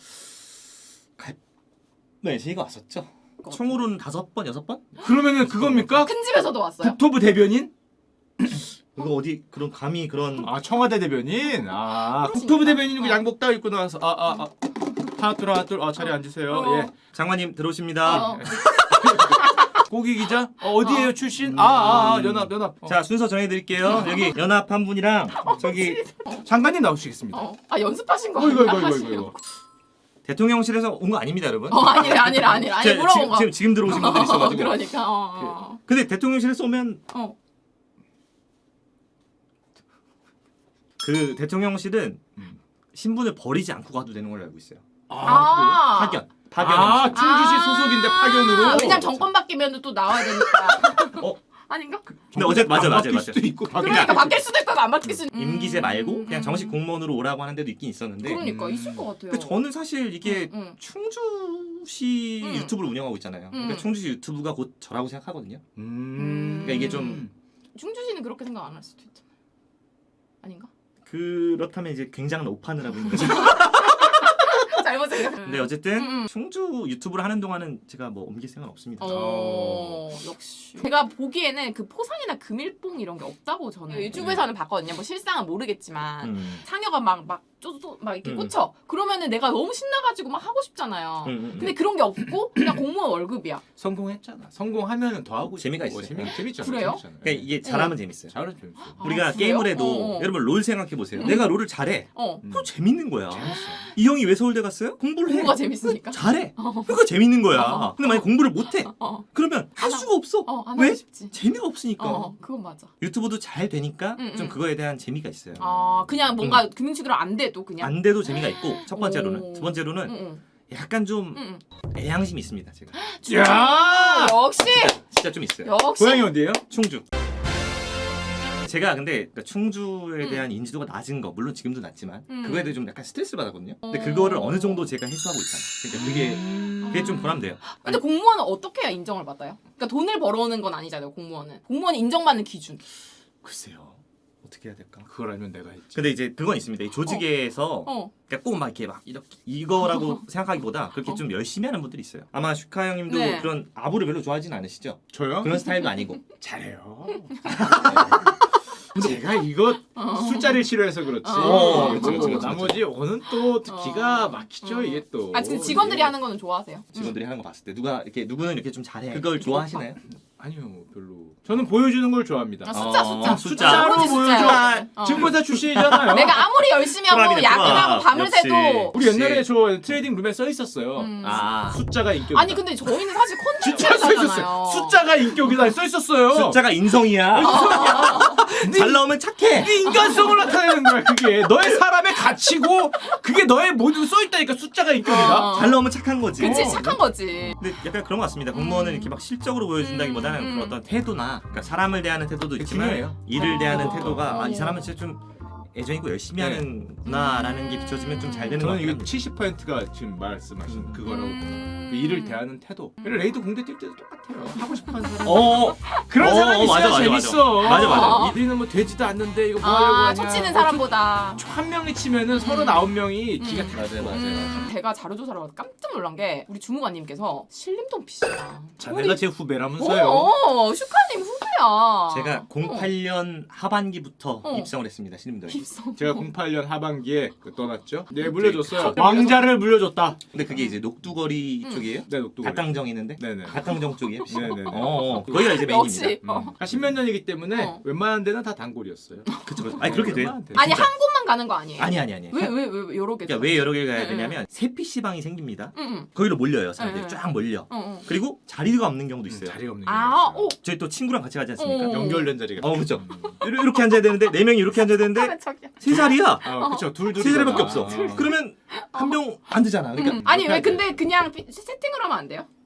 Speaker 1: 네, 저희가 왔었죠. 총으로는 다섯 번, 여섯 번?
Speaker 3: 그러면은 그겁니까?
Speaker 2: 큰 집에서도 왔어요.
Speaker 3: 국토부 대변인?
Speaker 1: 그거 어디 그런 감히 그런
Speaker 3: 아 청와대 대변인. 아
Speaker 2: 그렇습니까?
Speaker 3: 국토부 대변인이고
Speaker 2: 어.
Speaker 3: 양복 딱 입고 나와서 아아 아, 아. 하나 둘 하나 둘 아, 자리 앉으세요.
Speaker 2: 어.
Speaker 3: 예.
Speaker 1: 장관님 들어오십니다.
Speaker 2: 어.
Speaker 3: 고기 기자 어, 어디에요
Speaker 2: 어.
Speaker 3: 출신? 아아 아, 아, 연합 연합. 어.
Speaker 1: 자, 순서 정해드릴게요. 여기 연합 한 분이랑 저기
Speaker 3: 장관님 나오시겠습니다.
Speaker 2: 어. 아 연습하신 거
Speaker 3: 어, 이거,
Speaker 2: 아니야?
Speaker 3: 이거, 이거,
Speaker 2: 하시려고.
Speaker 3: 이거.
Speaker 1: 대통령실에서 온 거 아닙니다, 여러분.
Speaker 2: 어 아니라 아니라 아니라 아니
Speaker 1: 제-
Speaker 2: 물어본
Speaker 1: 지금,
Speaker 2: 거.
Speaker 1: 지금 지금 들어오신 분들 있어가지고.
Speaker 2: 그러니까 어.
Speaker 1: 근데 대통령실에서 오면
Speaker 2: 어.
Speaker 1: 그 대통령실은
Speaker 3: 음.
Speaker 1: 신분을 버리지 않고 가도 되는 걸로 알고 있어요.
Speaker 2: 아.
Speaker 1: 파견, 파견.
Speaker 3: 아
Speaker 1: 형식.
Speaker 3: 충주시
Speaker 2: 아.
Speaker 3: 소속인데 파견으로.
Speaker 2: 왜냐면 정권 바뀌면 또 나와야 되니까.
Speaker 1: 어?
Speaker 2: 아닌가?
Speaker 1: 근데 어제 맞아,
Speaker 3: 안
Speaker 1: 맞아,
Speaker 3: 바뀔
Speaker 1: 맞아.
Speaker 3: 수도 있고 바뀔
Speaker 2: 그러니까
Speaker 3: 수도
Speaker 2: 바뀔 수도 있고 안 바뀔 수도 있고.
Speaker 1: 임기제 말고 그냥
Speaker 2: 음.
Speaker 1: 정식 공무원으로 오라고 하는 데도 있긴 있었는데.
Speaker 2: 그러니까
Speaker 3: 음.
Speaker 2: 있을 것 같아요.
Speaker 1: 근데 저는 사실 이게
Speaker 2: 응, 응.
Speaker 1: 충주시
Speaker 2: 음.
Speaker 1: 유튜브를 운영하고 있잖아요. 그러니까
Speaker 2: 음.
Speaker 1: 충주시 유튜브가 곧 저라고 생각하거든요.
Speaker 3: 음.
Speaker 1: 그러니까 이게 좀
Speaker 2: 충주시는 그렇게 생각 안 할 수도 있잖아. 아닌가?
Speaker 1: 그렇다면 이제 굉장한 오판을 하고 있는 거죠.
Speaker 2: 잘못 생각.
Speaker 1: 근데 어쨌든
Speaker 2: 음, 음.
Speaker 1: 충주 유튜브를 하는 동안은 제가 뭐 옮길 생각은 없습니다.
Speaker 2: 어 역시 제가 보기에는 그 포상이나 금일봉 이런 게 없다고 저는 유튜브에서는 봤거든요. 뭐 실상은 모르겠지만
Speaker 1: 음.
Speaker 2: 상여가 막막 쪼쪼 막 이렇게
Speaker 1: 음.
Speaker 2: 꽂혀. 그러면은 내가 너무 신나가지고 막 하고 싶잖아요.
Speaker 1: 음, 음, 음.
Speaker 2: 근데 그런 게 없고 그냥 공무원 월급이야.
Speaker 3: 성공했잖아. 성공하면은 더 하고
Speaker 1: 재미가
Speaker 3: 싶고.
Speaker 1: 있어요.
Speaker 3: 재미 재밌잖아.
Speaker 2: 그래요?
Speaker 3: 재밌잖아.
Speaker 1: 그러니까 이게 잘하면 재밌어요.
Speaker 3: 잘하면 재밌어.
Speaker 2: 아,
Speaker 1: 우리가
Speaker 2: 그래요?
Speaker 1: 게임을 해도
Speaker 2: 어, 어.
Speaker 1: 여러분 롤 생각해 보세요. 내가 롤을 잘해.
Speaker 2: 어
Speaker 3: 음.
Speaker 1: 그럼 재밌는 거야.
Speaker 3: 재밌어.
Speaker 1: 이 형이 왜 서울대 갔어요? 공부를 해.
Speaker 2: 공부가 재밌으니까.
Speaker 1: 잘해. 그러니까 재밌는 거야.
Speaker 2: 어.
Speaker 1: 근데 만약 공부를 못해.
Speaker 2: 어,
Speaker 1: 그러면 할
Speaker 2: 안
Speaker 1: 수가 없어.
Speaker 2: 어, 안
Speaker 1: 왜?
Speaker 2: 하고 싶지.
Speaker 1: 재미가 없으니까.
Speaker 2: 어, 그건 맞아.
Speaker 1: 유튜브도 잘 되니까
Speaker 2: 음,
Speaker 1: 좀
Speaker 2: 음.
Speaker 1: 그거에 대한 재미가 있어요.
Speaker 2: 아, 그냥 뭔가 금융치기로 안 돼도 그냥.
Speaker 1: 안 돼도 재미가 있고 첫 번째로는
Speaker 2: 오.
Speaker 1: 두 번째로는
Speaker 2: 응, 응,
Speaker 1: 약간 좀
Speaker 2: 응,
Speaker 1: 애양심이 있습니다. 제가
Speaker 2: 응.
Speaker 3: 야!
Speaker 2: 역시,
Speaker 1: 진짜 좀 있어요.
Speaker 2: 역시.
Speaker 3: 고향이 어디예요?
Speaker 1: 충주. 제가 근데 그러니까 충주에
Speaker 2: 음.
Speaker 1: 대한 인지도가 낮은 거 물론 지금도 낮지만
Speaker 2: 음.
Speaker 1: 그거에 대해 좀 약간 스트레스를 받았거든요. 근데
Speaker 2: 어.
Speaker 1: 그거를 어느 정도 제가 해소하고 있잖아. 그러니까 그게
Speaker 3: 음.
Speaker 1: 그게 좀 보람돼요.
Speaker 2: 근데 공무원은 어떻게 해야 인정을 받아요? 그러니까 돈을 벌어오는 건 아니잖아요, 공무원은. 공무원이 인정받는 기준.
Speaker 1: 글쎄요. 어떻게 해야 될까?
Speaker 3: 그걸 알면 내가 했지.
Speaker 1: 근데 이제 그건 있습니다. 이 조직에서
Speaker 2: 어.
Speaker 1: 그러니까 꼭 막 이렇게 막 이렇게 이거라고 생각하기보다 그렇게
Speaker 2: 어.
Speaker 1: 좀 열심히 하는 분들이 있어요. 아마 슈카 형님도
Speaker 2: 네.
Speaker 1: 그런 아부를 별로 좋아하진 않으시죠?
Speaker 3: 저요?
Speaker 1: 그런 스타일도 아니고.
Speaker 3: 잘해요. 제가 이거
Speaker 2: 어.
Speaker 3: 숫자를 싫어해서 그렇지.
Speaker 2: 어.
Speaker 1: 그렇죠, 그렇죠, 그렇죠.
Speaker 3: 나머지 오는 또 기가
Speaker 2: 어.
Speaker 3: 막히죠
Speaker 2: 어.
Speaker 3: 이게 또.
Speaker 2: 아, 근데 직원들이
Speaker 3: 예.
Speaker 2: 하는 거는 좋아하세요?
Speaker 1: 직원들이 하는 거 봤을 때 누가 이렇게 누구는 이렇게 좀 잘해. 그걸 좋아하시나요?
Speaker 3: 아니요 별로. 저는 보여주는 걸 좋아합니다.
Speaker 2: 아, 숫자,
Speaker 1: 어,
Speaker 2: 숫자.
Speaker 1: 숫자로
Speaker 2: 아버지
Speaker 3: 보여줘.
Speaker 2: 숫자요. 어.
Speaker 3: 증권사 출신이잖아요.
Speaker 2: 내가 아무리 열심히 하고
Speaker 1: 프랍이네,
Speaker 2: 야근하고
Speaker 1: 프랍.
Speaker 2: 밤을
Speaker 1: 역시.
Speaker 2: 새도
Speaker 3: 우리 옛날에 저 트레이딩 룸에 써 있었어요.
Speaker 2: 음.
Speaker 1: 아
Speaker 3: 숫자가 인격이다.
Speaker 2: 아니 근데 저희는 사실
Speaker 3: 진짜 써
Speaker 2: 컨텐츠잖아요.
Speaker 3: 있었어요. 숫자가 인격이다 써 있었어요.
Speaker 1: 숫자가 인성이야. 잘 나오면 착해.
Speaker 3: 네 인간성을 나타내는 거야 그게. 너의 사람의 가치고 그게 너의 모든 써 있다니까 숫자가 인격이다.
Speaker 2: 어.
Speaker 1: 잘 나오면 착한 거지.
Speaker 2: 그치
Speaker 3: 어.
Speaker 2: 착한 거지.
Speaker 1: 근데 약간 그런 것 같습니다. 공무원은
Speaker 2: 음.
Speaker 1: 이렇게 막 실적으로 보여준다기보다는
Speaker 2: 음, 음.
Speaker 1: 그런 어떤 태도나 그러니까 사람을 대하는 태도도
Speaker 3: 그게
Speaker 1: 있지만
Speaker 3: 중요해요.
Speaker 1: 일을 대하는
Speaker 2: 어.
Speaker 1: 태도가 아, 이
Speaker 2: 어.
Speaker 1: 사람은 진짜 좀 애정이고 열심히
Speaker 3: 네.
Speaker 1: 하는구나라는 게 비춰지면 좀 잘 되는 것
Speaker 3: 저는
Speaker 1: 같아요.
Speaker 3: 이게 칠십 퍼센트가 지금 말씀하신
Speaker 1: 음.
Speaker 3: 그거라고.
Speaker 2: 음.
Speaker 3: 그 일을 대하는 태도. 레이드 공대 뛸 때도 똑같아요. 하고 싶어하는 사람.
Speaker 1: 어,
Speaker 3: 그런
Speaker 1: 어,
Speaker 3: 사람이
Speaker 1: 어,
Speaker 3: 있어야
Speaker 1: 맞아, 맞아,
Speaker 3: 재밌어.
Speaker 1: 맞아, 맞아.
Speaker 3: 우리는 뭐 되지도 않는데 이거 뭐 하려고
Speaker 2: 아,
Speaker 3: 하냐.
Speaker 2: 초치는 사람보다.
Speaker 3: 한 명이 치면은 서른아홉 명이 기가
Speaker 2: 음.
Speaker 3: 다
Speaker 1: 맞아요, 맞아요.
Speaker 2: 음, 제가 자료조사를 하고 깜짝 놀란 게 우리 주무관님께서 신림동 피시다.
Speaker 3: 자네가 제 후배라면서요.
Speaker 2: 어, 슈카님 후배야.
Speaker 1: 제가 공팔 년 하반기부터
Speaker 2: 어.
Speaker 1: 입성을 했습니다. 신림동에.
Speaker 2: 입성.
Speaker 3: 제가 공팔 년 하반기에 그 떠났죠. 네
Speaker 1: 갑자기
Speaker 3: 물려줬어요.
Speaker 2: 갑자기
Speaker 3: 왕자를 물려줬다.
Speaker 1: 근데 그게 이제 녹두거리
Speaker 2: 음.
Speaker 1: 쪽이에요?
Speaker 3: 네 녹두거리.
Speaker 1: 갓당정 있는데?
Speaker 3: 네네.
Speaker 1: 갓당정 쪽이에요?
Speaker 3: 네네네.
Speaker 1: 어, 어. 거기가 이제 메인입니다.
Speaker 2: 역시. 어.
Speaker 3: 음. 십몇 년이기 때문에
Speaker 2: 어.
Speaker 3: 웬만한 데는 다 단골이었어요.
Speaker 1: 그쵸, 그쵸. 아니 그렇게 돼.
Speaker 3: 웬만한 데는.
Speaker 2: 아니
Speaker 1: 진짜.
Speaker 2: 한 곳만 개만 가는 거 아니에요?
Speaker 1: 아니 아니 아니.
Speaker 2: 왜 왜 왜 여러 개?
Speaker 1: 그러니까 왜 여러 개 가야
Speaker 2: 네,
Speaker 1: 되냐면 세 피씨방이 생깁니다.
Speaker 2: 응응.
Speaker 1: 거기로 몰려요 사람들이
Speaker 2: 네, 네.
Speaker 1: 쫙 몰려.
Speaker 2: 어, 어.
Speaker 1: 그리고 자리가 없는 경우도 있어요.
Speaker 3: 자리가 없는
Speaker 2: 아,
Speaker 3: 게 있어요.
Speaker 2: 오.
Speaker 1: 저희 또 친구랑 같이 가지 않습니까?
Speaker 2: 어.
Speaker 3: 연결된 자리가.
Speaker 1: 어 그렇죠. 이렇게 앉아야 되는데 네 명이 이렇게 앉아야 되는데
Speaker 2: 하는 척이야.
Speaker 1: 세 자리야.
Speaker 3: 아, 그렇죠. 둘둘
Speaker 1: 세 자리밖에 없어. 그러면 한 명 안 되잖아. 그러니까
Speaker 2: 음. 아니 왜
Speaker 3: 해야 돼.
Speaker 2: 근데 그냥 피- 세팅을 하면 안 돼요?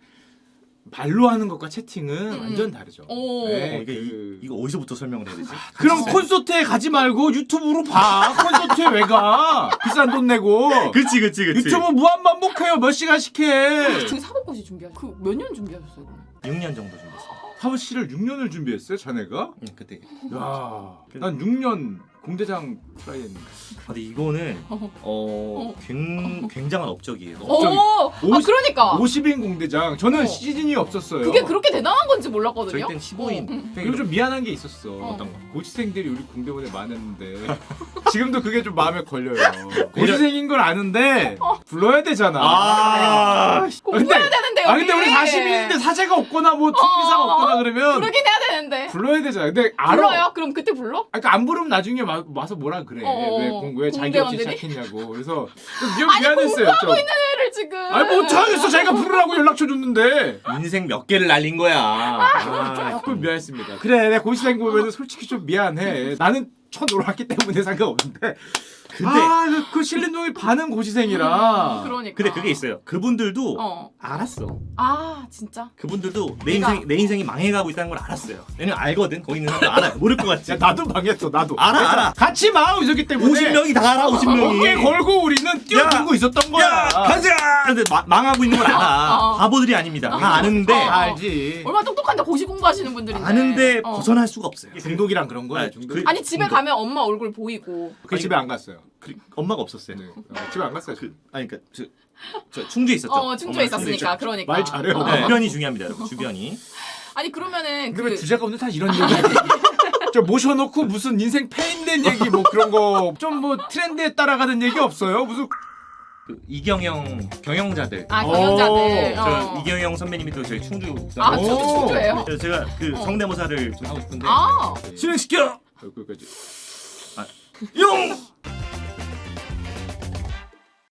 Speaker 3: 발로 하는 것과 채팅은
Speaker 2: 음.
Speaker 3: 완전 다르죠.
Speaker 2: 오.
Speaker 3: 네,
Speaker 1: 어, 이게
Speaker 3: 그-
Speaker 1: 이, 이거 어디서부터 설명을 해야 되지?
Speaker 3: 그럼 콘서트에 가지 말고 유튜브로 봐. 콘서트에 왜 가? 비싼 돈 내고.
Speaker 1: 그렇지 그렇지 그렇지.
Speaker 3: 유튜브 무한 반복해요. 몇 시간씩 해.
Speaker 2: 그 사법고시 준비하셨. 그몇 년 준비하셨어요? 그러면?
Speaker 1: 육 년 정도 준비했어요.
Speaker 3: 사법 씨를 육 년을 준비했어요, 자네가?
Speaker 1: 응 그때.
Speaker 3: 야, 난 육 년 공대장 트라이 했는데.
Speaker 1: 아, 근데 이거는
Speaker 2: 어.
Speaker 1: 어 굉, 굉장한 업적이에요.
Speaker 2: 오.
Speaker 3: 갑자기
Speaker 2: 아
Speaker 3: 오십-
Speaker 2: 그러니까.
Speaker 3: 오십 인 공대장. 저는
Speaker 2: 어.
Speaker 3: 시즌이 없었어요.
Speaker 2: 그게 그렇게 대단한 건지
Speaker 1: 저희
Speaker 2: 몰랐거든요.
Speaker 1: 때는 십오 인.
Speaker 2: 어.
Speaker 3: 그리고 좀 미안한 게 있었어.
Speaker 2: 어떤
Speaker 1: 거?
Speaker 3: 고시생들이 우리 공대원에 많았는데 지금도 그게 좀 마음에 걸려요. 고시생인 걸 아는데 불러야 되잖아.
Speaker 1: 아,
Speaker 2: 공부해야 되는데 여기.
Speaker 3: 아 근데 우리 사십 인인데 사제가 없거나 뭐 총기사가
Speaker 2: 어,
Speaker 3: 없거나 그러면
Speaker 2: 부르긴 해야 되는데.
Speaker 3: 불러야 되잖아. 근데 알아.
Speaker 2: 불러요? 그럼 그때 불러?
Speaker 3: 아, 그러니까 안 부르면 나중에 와, 와서 뭐라 그래.
Speaker 2: 어,
Speaker 3: 왜, 공, 왜 자기 없이
Speaker 2: 공대원들이?
Speaker 3: 시작했냐고. 그래서 좀 미안,
Speaker 2: 아니
Speaker 3: 미안했어요.
Speaker 2: 공부하고
Speaker 3: 좀.
Speaker 2: 있는 애를 지금.
Speaker 3: 아니 뭐 어쩌겠어. 자기가 부르라고 연락처 줬는데.
Speaker 1: 인생 몇 개를 날린 거야. 아,
Speaker 3: 조금 미안했습니다. 그래, 내가 고시생 보면은 솔직히 좀 미안해. 나는 쳐놀았기 때문에 상관없는데.
Speaker 1: 근데
Speaker 3: 아, 그, 그 신림동이 반은 고시생이라.
Speaker 2: 음, 그러니까.
Speaker 1: 근데 그게 있어요. 그분들도
Speaker 2: 어.
Speaker 1: 알았어.
Speaker 2: 아 진짜.
Speaker 1: 그분들도 내
Speaker 2: 내가-
Speaker 1: 인생 내 인생이 망해가고 있다는 걸 알았어. 왜냐면 알거든. 거기 있는 사람들 알아. 모를 것 같지.
Speaker 3: 야, 나도 망했어, 나도.
Speaker 1: 알아,
Speaker 3: 그래서
Speaker 1: 알아.
Speaker 3: 같이 마음이었기 때문에.
Speaker 1: 오십 명이 다 알아. 오십 명이.
Speaker 3: 어깨 걸고 우리는 뛰어들고 있었던 거야.
Speaker 1: 야, 가자. 근데 마, 망하고 있는 걸 알아.
Speaker 2: 어.
Speaker 1: 바보들이 아닙니다. 다 아는데
Speaker 2: 어.
Speaker 3: 알지.
Speaker 2: 얼마나 똑똑한데 고시 공부하시는 분들인데.
Speaker 1: 아는데
Speaker 2: 어.
Speaker 1: 벗어날 수가 없어요.
Speaker 3: 중독이랑 그런 거야.
Speaker 1: 아,
Speaker 3: 중독.
Speaker 1: 그-
Speaker 2: 아니 집에
Speaker 1: 중독.
Speaker 2: 가면 엄마 얼굴 보이고.
Speaker 3: 그 집에 안 갔어요.
Speaker 1: 그, 엄마가 없었어요.
Speaker 3: 네. 어, 집에 안 갔어요.
Speaker 1: 그, 아니 그러니까 저, 저 충주에 있었죠.
Speaker 2: 어 충주에
Speaker 1: 엄마가
Speaker 2: 있었으니까 그러니까.
Speaker 3: 말 잘해요.
Speaker 2: 어.
Speaker 1: 네, 주변이 중요합니다, 여러분. 주변이.
Speaker 2: 아니 그러면은
Speaker 3: 근데
Speaker 2: 그
Speaker 3: 왜 주제가 오늘 다 이런 얘기? 저 모셔놓고 무슨 인생 페인된 얘기 뭐 그런 거 좀 뭐 트렌드에 따라가는 얘기 없어요? 무슨
Speaker 1: 그 이경영 경영자들.
Speaker 2: 아 경영자들.
Speaker 3: 오,
Speaker 1: 저
Speaker 2: 어.
Speaker 1: 이경영 선배님이 또 저희 충주.
Speaker 2: 아
Speaker 3: 오.
Speaker 2: 저도 충주예요.
Speaker 1: 그래서 제가 그
Speaker 2: 어.
Speaker 1: 성대모사를 좀 하고 싶은데
Speaker 2: 아
Speaker 1: 실행시켜
Speaker 3: 여기까지.
Speaker 1: 용